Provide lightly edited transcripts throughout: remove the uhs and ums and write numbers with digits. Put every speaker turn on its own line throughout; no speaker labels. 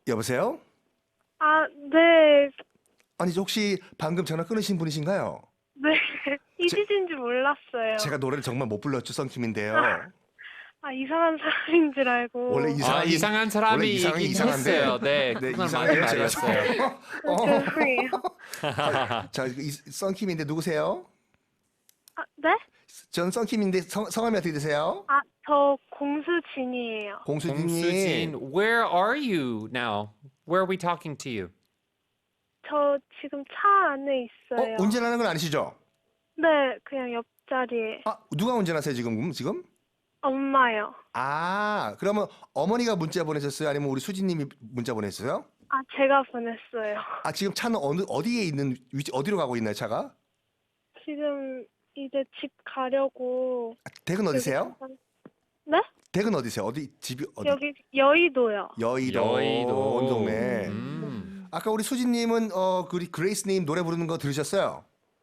여보세요?
아, 네.
아니 혹시 방금 전화 끊으신 분이신가요?
네. 이지진 줄 몰랐어요.
제가 노래를 정말 못 불렀죠, 썬킴인데요.
아, 이상한 사람인 줄 알고.
원래 이상하긴
이상한
원래
사람이
이상하긴
있긴
이상한데.
했어요. 네,
네,
그건
이상해요,
맞는
제가.
말이었어요.
죄송해요.
자, 썬킴인데 누구세요?
아, 네?
전 썬킴인데 성함이 어떻게 되세요?
아, 저 공수진이에요.
공수진님.
공수진, where are you now? Where are we talking to you?
저 지금 차 안에 있어요.
운전하는 건 아니시죠?
네, 그냥 옆자리에.
아, 누가 운전하세요 지금?
엄마요.
아, 그러면 어머니가 문자 보내셨어요? 아니면 우리 수진님이 문자 보냈어요?
아, 제가 보냈어요.
아, 지금 차는 어디에 있는 위치 어디로 가고 있나요, 차가?
지금 이제 집 가려고.
댁은
여기
어디세요?
잠깐- 네?
댁은 어디세요? 집이 어디?
여기 여의도요.
여의도 온 동네. 아까 우리 수진님은 그 그레이스님 노래 부르는 거 들으셨어요?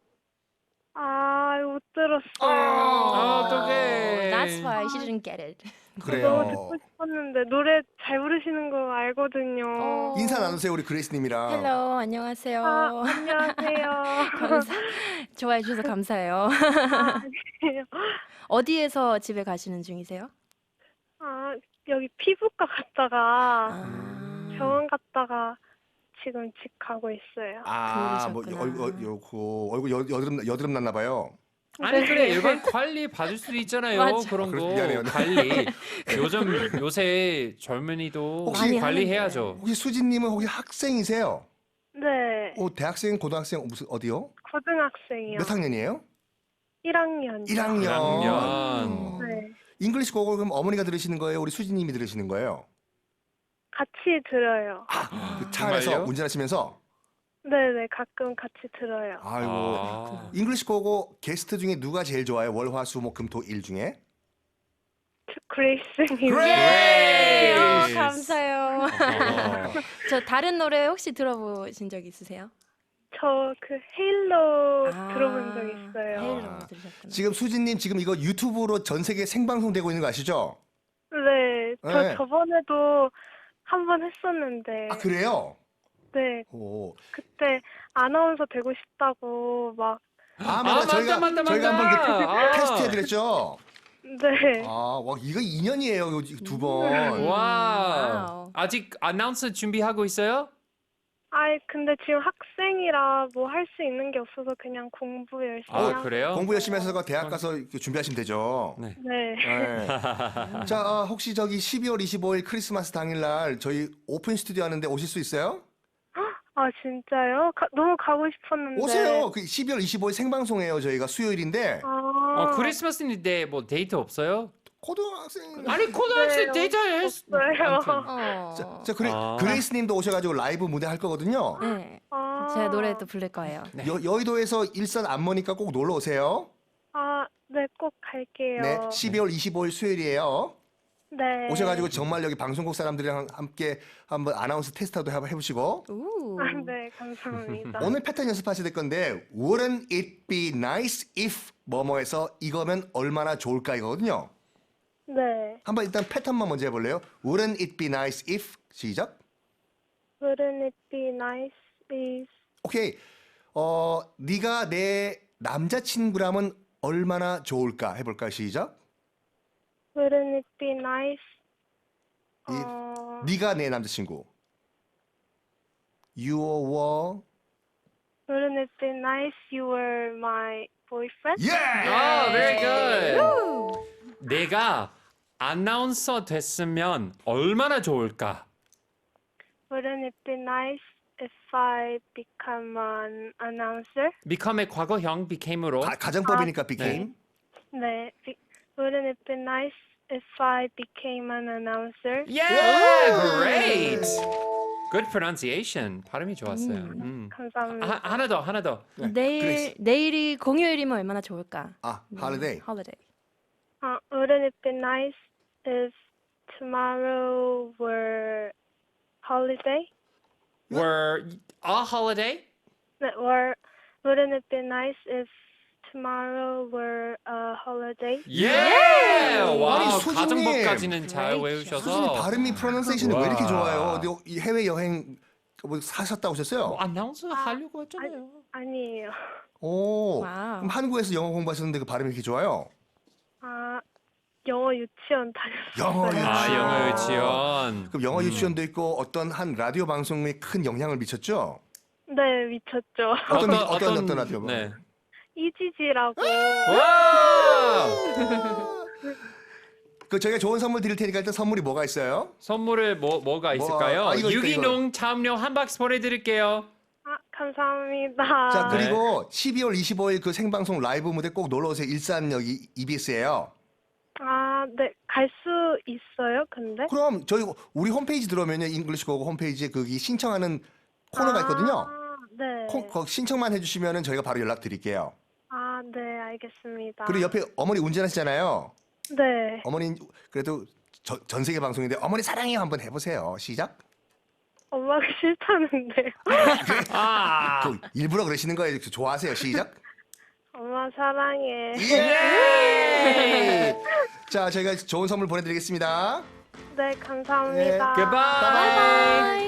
아, 못 들었어요.
어떡해.
That's why she didn't get it.
너무
그래요.
듣고 싶었는데 노래 잘 부르시는 거 알거든요.
인사 나누세요, 우리 그레이스님이랑.
헬로, 안녕하세요.
아, 안녕하세요.
좋아해 주셔서 감사해요.
아니에요.
어디에서 집에 가시는 중이세요?
아, 여기 피부과 갔다가
아,
병원 갔다가 지금 집 가고 있어요.
아, 뭐
그러셨구나.
얼굴 여드름 났나 봐요.
아니
네.
그래 일반 관리 받을 수도 있잖아요.
맞아.
그런
그래서
거
미안해요.
관리. 요새 젊은이도
혹시
관리해야죠.
혹시 수진님은 혹시 학생이세요?
네,
대학생, 고등학생 무슨 어디요?
고등학생이요.
몇 학년이에요?
1학년.
1학년.
1학년.
네,
잉글리시 곡을 그럼 어머니가 들으시는 거예요? 우리 수진님이 들으시는 거예요?
같이 들어요.
그 차 안에서
정말요?
운전하시면서?
네네, 가끔 같이 들어요.
아이고.
아.
잉글리시 곡 게스트 중에 누가 제일 좋아요? 월, 화, 수, 목, 금, 토, 일 중에?
그레이스님.
그레이스!
감사해요.
어.
저 다른 노래 혹시 들어보신 적 있으세요?
저 그 헤일로
아,
들어본 적 있어요.
헤일로 들으셨구나.
지금 수진님 지금 이거 유튜브로 전 세계 생방송 되고 있는 거 아시죠?
네, 저
네.
저번에도 한 번 했었는데,
아, 그래요?
네,
오.
그때 아나운서 되고 싶다고 막,
아,
아,
맞아. 저희가
맞다.
한번
아.
테스트 해드렸죠?
네,
아, 와, 이거 2년이에요, 두 번.
와.
와우.
아직 아나운서 준비하고 있어요?
아이 근데 지금 학생이라 뭐 할 수 있는 게 없어서 그냥 공부 열심히
아,
하고.
그래요?
공부 열심히 해서 대학 가서 준비하시면 되죠.
네.
네,
네. 자, 혹시 저기 12월 25일 크리스마스 당일날 저희 오픈 스튜디오 하는데 오실 수 있어요?
아 진짜요? 너무 가고 싶었는데.
오세요. 그 12월 25일 생방송이에요. 저희가 수요일인데
아,
크리스마스인데 뭐 데이트 없어요?
고등학생.
아니 고등학생
네,
데이트 할 수.
없어요.
어.
자,
아.
그레이스님도 오셔가지고 라이브 무대 할 거거든요.
네.
아,
제가 노래도 부를 거예요.
여의도에서 일산 안 머니까 꼭 놀러 오세요.
아, 네, 꼭 갈게요.
네, 12월 25일 수요일이에요.
네.
오셔가지고 정말 여기 방송국 사람들이랑 함께 한번 아나운서 테스트도 해보시고
우.
아, 네, 감사합니다.
오늘 패턴 연습하셔야 될 건데 Wouldn't it be nice if 뭐뭐해서 이거면 얼마나 좋을까 이거거든요.
네.
한번 일단 패턴만 먼저 해볼래요? Wouldn't it be nice if 시작.
Wouldn't it be nice if
오케이. 네가 내 남자친구라면 얼마나 좋을까 해볼까 시작.
Wouldn't it be nice?
네가 내 남자친구. You were.
Wouldn't it be nice you were my boyfriend?
Yeah.
아, very good. 내가 아나운서 됐으면 얼마나 좋을까?
Wouldn't it be nice if I become an announcer?
become의 과거형 became으로.
가정법이니까 became.
네. Wouldn't it be nice if I became an announcer?
Yeah, great. Good pronunciation. 발음이 좋았어요.
감사합니다.
하나 더.
네,
내일이 공휴일이면 얼마나 좋을까?
holiday.
holiday.
Wouldn't it be nice if tomorrow were holiday?
Were a holiday?
Or wouldn't it be nice if tomorrow were a holiday.
예! 와,
아니, 수진님.
가정법까지는 잘
Great.
외우셔서.
수진이 발음이 프로넌세이션이 왜 이렇게
와.
좋아요? 어디 해외 여행 뭐 사셨다 오셨어요?
뭐 아나운서 하려고 했잖아요.
아니에요.
오.
와우.
그럼 한국에서 영어 공부하셨는데 그 발음이 이렇게 좋아요?
아, 영어 유치원 다녔어요.
영어 유치원.
아, 영어 유치원.
그럼 영어 유치원도 있고 어떤 한 라디오 방송에 큰 영향을 미쳤죠?
네, 미쳤죠.
어떤 라디오 방송?
네.
이지지라고.
와!
그 저희가 좋은 선물 드릴 테니까 일단 선물이 뭐가 있어요?
선물에 뭐가 있을까요?
이거,
유기농 참료 한 박스 보내드릴게요.
아, 감사합니다.
자
네.
그리고 12월 25일 그 생방송 라이브 무대 꼭 놀러 오세요. 일산 여기 EBS예요.
아, 네, 갈 수 있어요, 근데?
그럼 저희 우리 홈페이지 들어오면요 잉글리시 고고 홈페이지에 거기 신청하는 코너가 있거든요.
아, 네.
거기 신청만 해주시면은 저희가 바로 연락 드릴게요.
아, 네, 알겠습니다.
그리고 옆에 어머니 운전하시잖아요.
네.
어머니 그래도 전 세계 방송인데 어머니 사랑해요 한번 해보세요. 시작.
엄마가 싫다는데.
아,
그 일부러 그러시는 거예요. 좋아하세요. 시작.
엄마 사랑해.
예! 자, 저희가 좋은 선물 보내드리겠습니다.
네, 감사합니다.
goodbye.
바이바이.